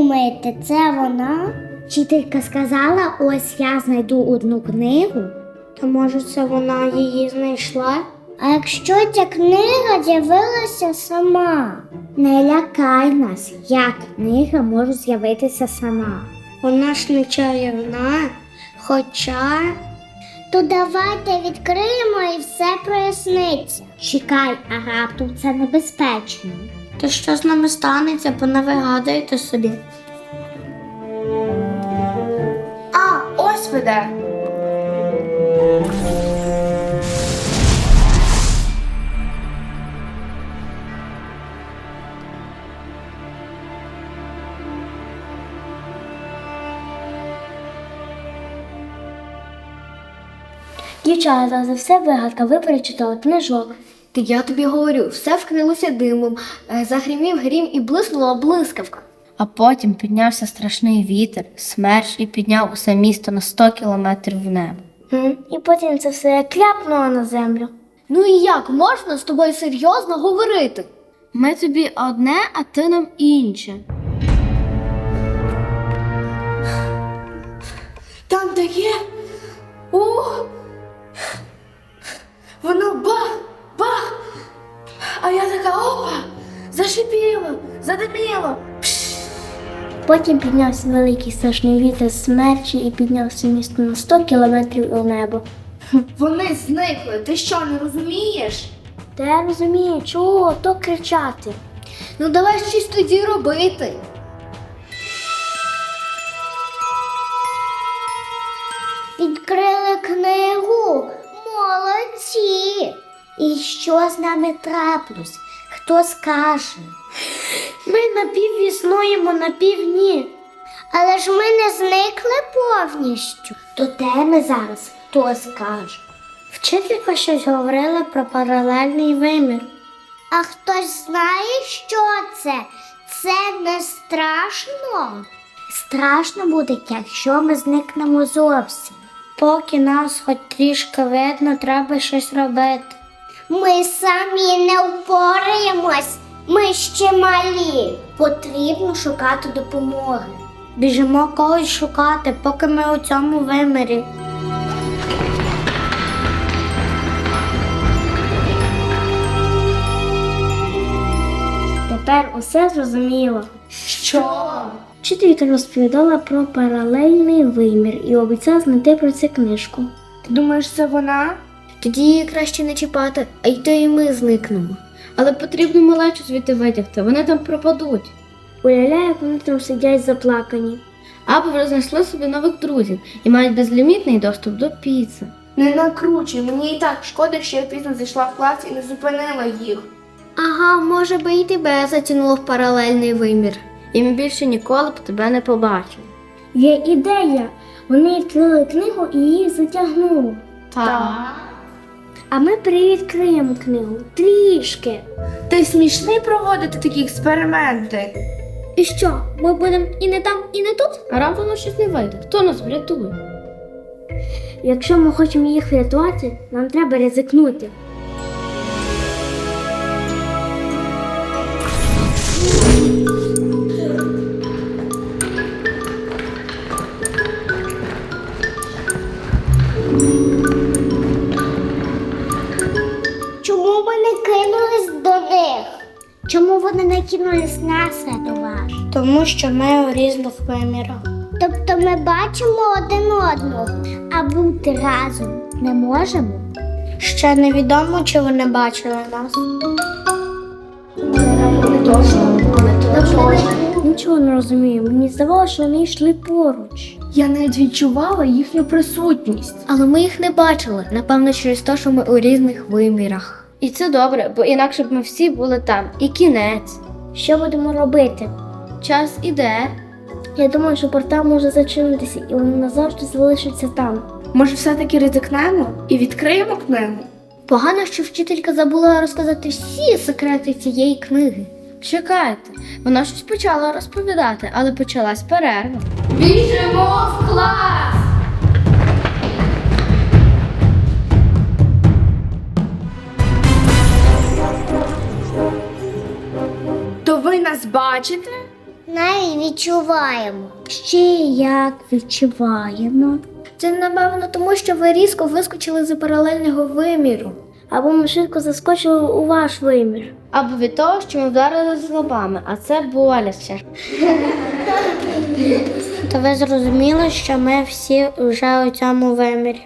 думаєте, це вона? Вчителька сказала, ось я знайду одну книгу. То може це вона її знайшла? А якщо ця книга з'явилася сама? Не лякай нас, як книга може з'явитися сама. Вона ж не чарівна, хоча... То давайте відкриємо і все проясниться. Чекай, а раптом це небезпечно. То що з нами станеться, понавигадуйте собі. А, ось веде. Дівчата, за все вигадка, ви перечитали книжок. Я тобі говорю, все вкрилося димом, загримів грім і блиснула блискавка. А потім піднявся страшний вітер, смерч і підняв усе місто на 100 кілометрів в небо. І потім це все кляпнуло на землю. Ну і як можна з тобою серйозно говорити? Ми тобі одне, а ти нам інше. Там де є? Воно бах, бах. А я така опа, зашипіло, задиміло. Потім піднявся великий страшний вітер смерчі і піднявся місто на 100 кілометрів у небо. Вони зникли, ти що, не розумієш? Та я розумію, чого то кричати. Ну давай щось тоді робити. Відкрили книгу. Молодці! І що з нами трапилось? Хто скаже? Ми напівіснуємо, напівні. Але ж ми не зникли повністю. То де ми зараз? Хто скаже? Вчителька щось говорила про паралельний вимір. А хтось знає, що це? Це не страшно? Страшно буде, якщо ми зникнемо зовсім. Поки нас хоч трішки видно, треба щось робити. Ми самі не впораємось, ми ще малі. Потрібно шукати допомоги. Біжимо когось шукати, поки ми у цьому вимірі. Тепер усе зрозуміло. Що? Вчителька розповідала про паралельний вимір і обіцяла знайти про це книжку. Ти думаєш, це вона? Тоді її краще не чіпати, а й то і ми зникнемо. Але потрібно малечу звідти витягти, вони там пропадуть. Уявляю, як вони там сидять заплакані. Або вже знайшли собі нових друзів і мають безлімітний доступ до піци. Не накручуй, мені і так шкода, що я пізно зайшла в клас і не зупинила їх. Ага, може би і тебе затягнуло в паралельний вимір. І ми більше ніколи б тебе не побачили. Є ідея. Вони відкрили книгу і її затягнуло. Так. А ми привідкриємо книгу. Трішки. Ти смішний проводити такі експерименти. І що, ми будемо і не там, і не тут? А раптом щось не вийде. Хто нас врятує? Якщо ми хочемо їх врятувати, нам треба ризикнути. Чому ми не кинулись до них? Чому вони не кинулись нас рятувати? Тому що ми у різних вимірах. Тобто ми бачимо один одного, а бути разом не можемо? Ще невідомо, чи вони бачили нас. Нічого не розумію. Мені здавалося, що вони йшли поруч. Я навіть відчувала їхню присутність. Але ми їх не бачили, напевно, через те, що ми у різних вимірах. І це добре, бо інакше б ми всі були там. І кінець. Що будемо робити? Час іде. Я думаю, що портал може зачинитися і вони назавжди залишаться там. Може, все-таки ризикнемо і відкриємо книгу? Погано, що вчителька забула розказати всі секрети цієї книги. Чекайте, вона щось почала розповідати, але почалась перерва. Біжимо в клас! То ви нас бачите? неї відчуваємо. Ще як відчуваємо. Це, напевно, тому що ви різко вискочили з паралельного виміру. Або ми швидко заскочили у ваш вимір. Або від того, що ми вдарили з лобами, а це боляче. То ви зрозуміли, що ми всі вже у цьому вимірі.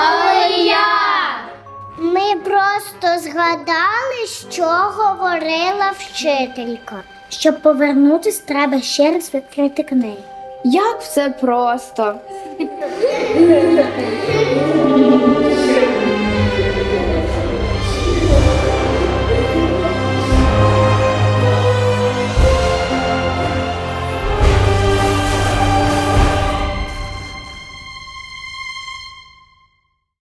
Ми просто згадали, що говорила вчителька. Щоб повернутись, треба ще раз відкрити книгу. Як все просто.